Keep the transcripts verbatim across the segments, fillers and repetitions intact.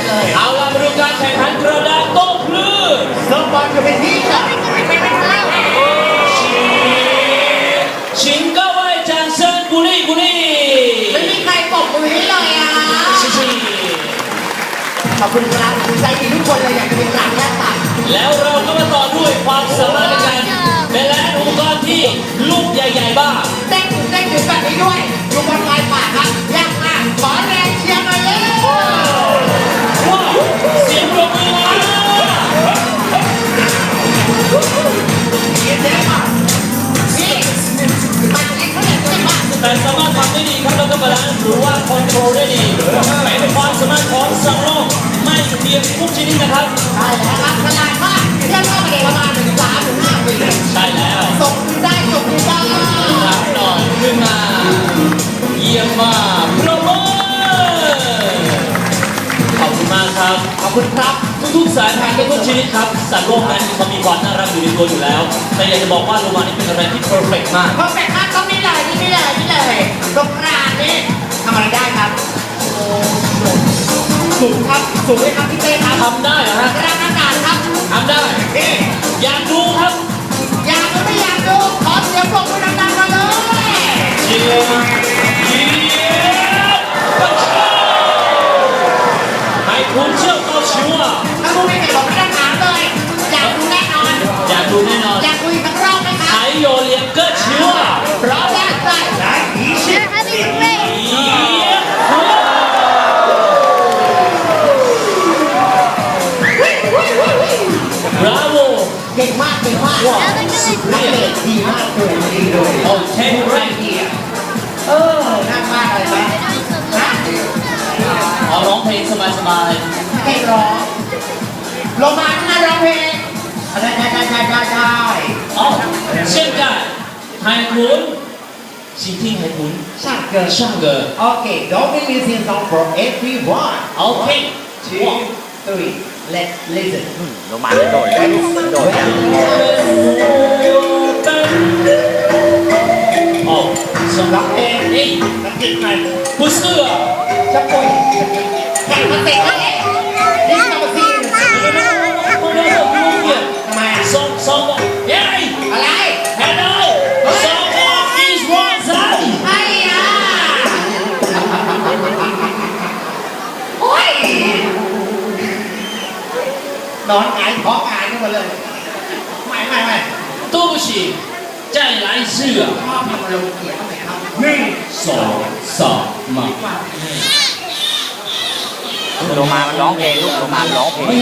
เลยเอาล่ะมาดูการแข่งขันกระดาษโต้คลื่นเซิร์ฟบอลจะเป็นที่จ้ะชิง各位掌声鼓励鼓励ไม่มีใครปรบมือให้เลยอ่ะขอบคุณครับใจดีทุกคนเลยอยากจะเป็นกลางแยกตัดแล้วเราก็มาต่อด้วยความสามารถในการเป็นและอุปกรณ์ที่ลูกใหญ่ๆบ้างเต้นถึงเต้นถึงแบบนี้ด้วยดูบอลลายป่าครับยากมากขอแรงเชียร์หน่อยเลยว้าวเสียงปรบมือมาแต่สามารถทำได้ดีครับแล้วก็บาลานซ์หรือว่าคอนโทรลได้ดีเป็นความสามารถของสังโลกไม่เพียงทุกชนิดนะครับใช่แล้วครับขนาดมากเทียบเท่ากับประมาณหนึ่งสามถึงห้าปีใช่แล้วส่งได้ส่งได้รับหน่อยขึ้นมาเยี่ยมมากโปรโมทขอบคุณมากครับขอบคุณครับทุกๆสายพันธุ์ทุกชนิดครับสัตว์โลกนั้นเขามีความน่ารักอยู่ในตัวอยู่แล้วแต่อยากจะบอกว่าโลมานี่เป็นอะไรที่เพอร์เฟกต์มากเพอร์เฟกต์มากต้องนี่เลยนี่เลยนี่เลยตรงกลางนี่ทำอะไรได้ครับสูงครับสูงเลยครับพี่เต้ครับทำได้เหรอฮะกระดานอากาศครับทำได้อยากดูครับอยากดูไม่อยากดูขอเสียงปรบมือดังๆมาเลยเชียร์เชียร์ปัชชาให้คุณเชื่อเขาชิวอ่ะถ้าคุณไม่เห็นผมไม่ต้องถามเลยอยากดูแน่นอนอยากดูแน่นอนอยากดูอีกสักรอบไหมครับ还有两个球啊พร้อมแล้วไป来一线 Bravo เก่งมากเก่งมากว้าวนักเตะดีมากเลยดีเลยโอเคไรเดียเออน่ามากเลยไหมฮะเอาร้องเพลงสบายๆเพลงร้องโรมาน่าร้องเพลงได้ได้ได้ได้ได้ได้อ๋อ现在海豚请听海豚上歌上歌 Okay don't be listening song for everyone Okay two three let's listen โรมาจะโดดได้โดดยัง哦什么เพลงนี่นักกินไหม不是啊จะป่วยแข่งมาเตะแล้วนี่จะมาซีนทำไมสองสองเย้อะไร Hello สอง is one side ไอ้ยาโอ้ยนอนหงายท้องหงายกันหมดเลยไม่ไม่ไม่对不起再来一次啊ชอบทำอารมณ์เสียเข้าไปครับหนึ่งสองสามมาโรมามันร้องเพลงลูกโรมาร้องเพลง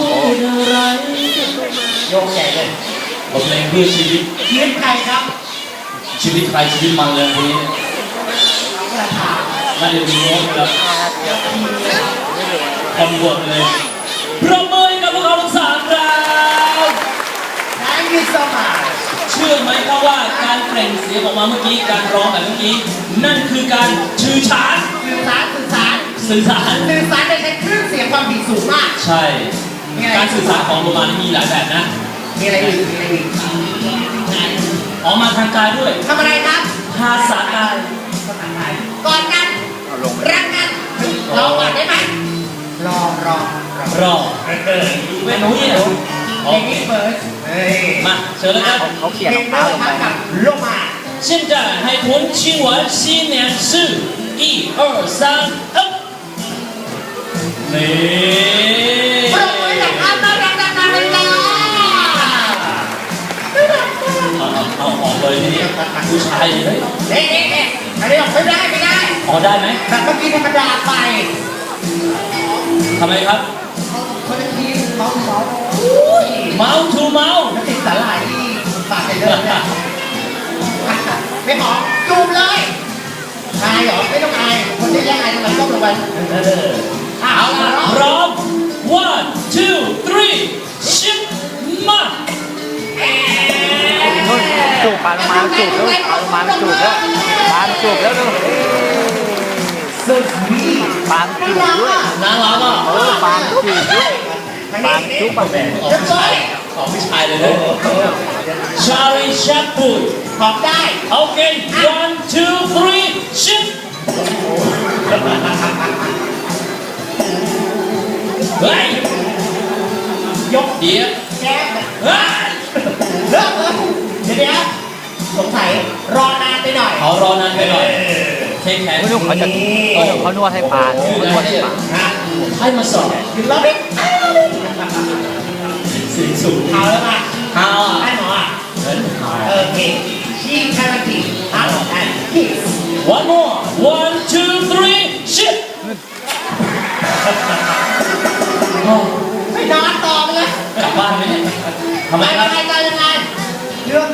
โยกใหญ่เลยบทเพลงเพื่อชีวิตชีวิตใครครับชีวิตใครชีวิตมันเลยทีนี้น่าจะมีโน้ตครับคอนเวิร์ตเลยประเมินกับพวกเราทั้งสามเรา Thank you so much เชื่อไหมครับว่าการเปล่งเสียงออกมาเมื่อกี้การร้องแบบเมื่อกี้นั่นคือการชื่อฉานสื่อสารสื่อสารสื่อสารสื่อสารโดยใช้คลื่นเสียงความถี่สูงมากใช่การสื่อสารของโรมานี่มีหลายแบบนะมีอะไรอีกมีอะไรอีกออกมาทางกายด้วยทำอะไรครับภาษากายก่อนกันรักกันรอก่อนได้ไหมรอรอรอเว้นนู้นเนี่ยโอเคเฟิร์สมาเชิญเลยครับเขาเขียนรองเท้าลงไปลงมา现在海豚亲吻新娘是一二三up นี่ปรบมือจากท่านน่ารักน่ารักเลยจ้าเอาออกเลยทีนี้ผู้ชายเลยเอ๊ะเอ๊ะเอ๊ะอันนี้ออกไม่ได้ไม่ได้ออกได้ไหมแต่เมื่อกี้ธรรมดาไปทำไมครับคนละทีเมาส์เมาส์เมาส์ทูเมาส์แล้วติดสาหร่ายที่ปากไปเลยเนี่ยไม่หอมจูบเลยอายเหรอไม่ต้องอายคนที่แย่อายทำไมต้องลงไปเอาละพร้อม one two three ชิปมาจูบปลาลงมาจูบแล้วปลาลงมาจูบแล้วปลาจูบแล้วดูสุดนีปลาจูบด้วยน่ารักอ่ะเออปลาจูบด้วยปลาจูบปลาแดงของผู้ชายเลยนะชาลีชัปปุยขอบได้โอเค one two three ชิปเฮ้ยยกเดี๋ยวแก้มเฮ้ยเลิกเลยเดี๋ยวเดี๋ยวสงสัยรอนานไปหน่อยเขารอนานไปหน่อยเทคแขนไม่รู้เขาจะเขาจะเขานวดให้ปลาเขานวดให้ปลาฮะให้มาสอบกินแล้วดิเสียงสูงเอาแล้วมาเอาให้หมออ่ะอ่ะโอเคชีคาราติอัพแอนด์คิส one more one two three shit ไม่นอนต่อไปเลยกลับบ้านไหมเนี่ยทำไมไปครับไปไป